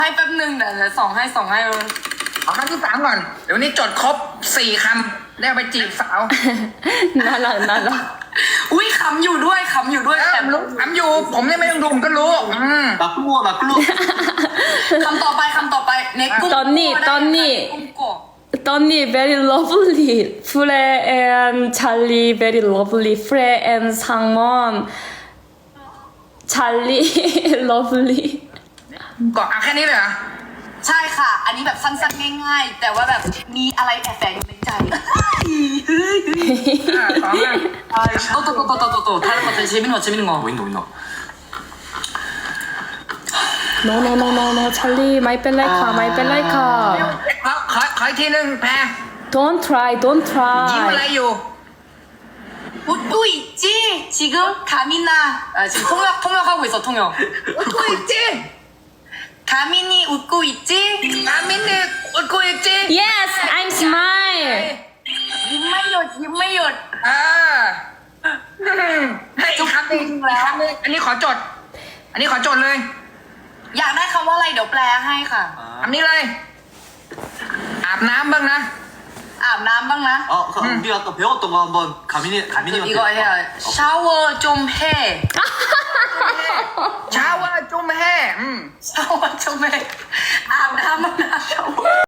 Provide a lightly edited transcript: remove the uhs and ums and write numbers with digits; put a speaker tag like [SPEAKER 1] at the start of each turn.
[SPEAKER 1] ให้แป๊บนึงเดี๋ยวส่งให้
[SPEAKER 2] เอาคำที่3ก่อนเดี๋ยวนี้จดครบ4 คำแล้วไปจีบสาว
[SPEAKER 3] น่ารักน่ารัก
[SPEAKER 1] อุ้ยขำอยู่ด้วยแอบ
[SPEAKER 2] รู้ถามอยู่ผมเนี่ยไม่ต้องดูผมก็รู้
[SPEAKER 4] 나 꿀루어 나 꿀루
[SPEAKER 1] คำต่อไปเน็กกุ้ง
[SPEAKER 3] ตอนนี้
[SPEAKER 1] กุ้งกบ
[SPEAKER 3] Donny very lovely, Frey and Charlie very lovely, Frey and Sangwon, Charlie lovely.
[SPEAKER 2] ก็เอาแค่นี้เลยเหรอ
[SPEAKER 1] ใช่ค่ะ อันนี้แบบสั้นๆง่ายๆแต่ว่าแบบมีอะไรแอบแฝงอยู่ในใจ
[SPEAKER 2] ต่อมา
[SPEAKER 1] 또 다른 것들 재밌는 거
[SPEAKER 4] 윈도
[SPEAKER 3] No, no, no, no, no, Charlie, my pen like her, my pen like her.
[SPEAKER 2] ขออีกทีนึงแพร
[SPEAKER 3] Don't try, don't
[SPEAKER 2] ยิ้มอะไร
[SPEAKER 3] try.
[SPEAKER 2] อยู่
[SPEAKER 1] 웃고 있지? 지금 가민아 지금 통역하고 있어 통역
[SPEAKER 2] กูอีกจี
[SPEAKER 1] 가민이 웃고 있지?
[SPEAKER 2] อามินนี่กูอีกจี
[SPEAKER 3] Yes, I'm smile.
[SPEAKER 1] ยิ้มไม่หยุด
[SPEAKER 2] ให้อีกคำหนึ่งอันนี้ขอจดเลย
[SPEAKER 1] อยากได้คำว่าอะไรเดี๋ยวแปลให้ค่ะ
[SPEAKER 2] คำนี้เลย อาบน้ำบ้างนะ
[SPEAKER 1] อาบน้ำบ้างนะ
[SPEAKER 4] 우리 아까 배웠던 거 한번 가민이
[SPEAKER 1] 이거 해야 샤워 좀 해
[SPEAKER 2] เช้าว่าจุ่มแห่
[SPEAKER 1] 샤워 좀 해. 아브 나무나 샤워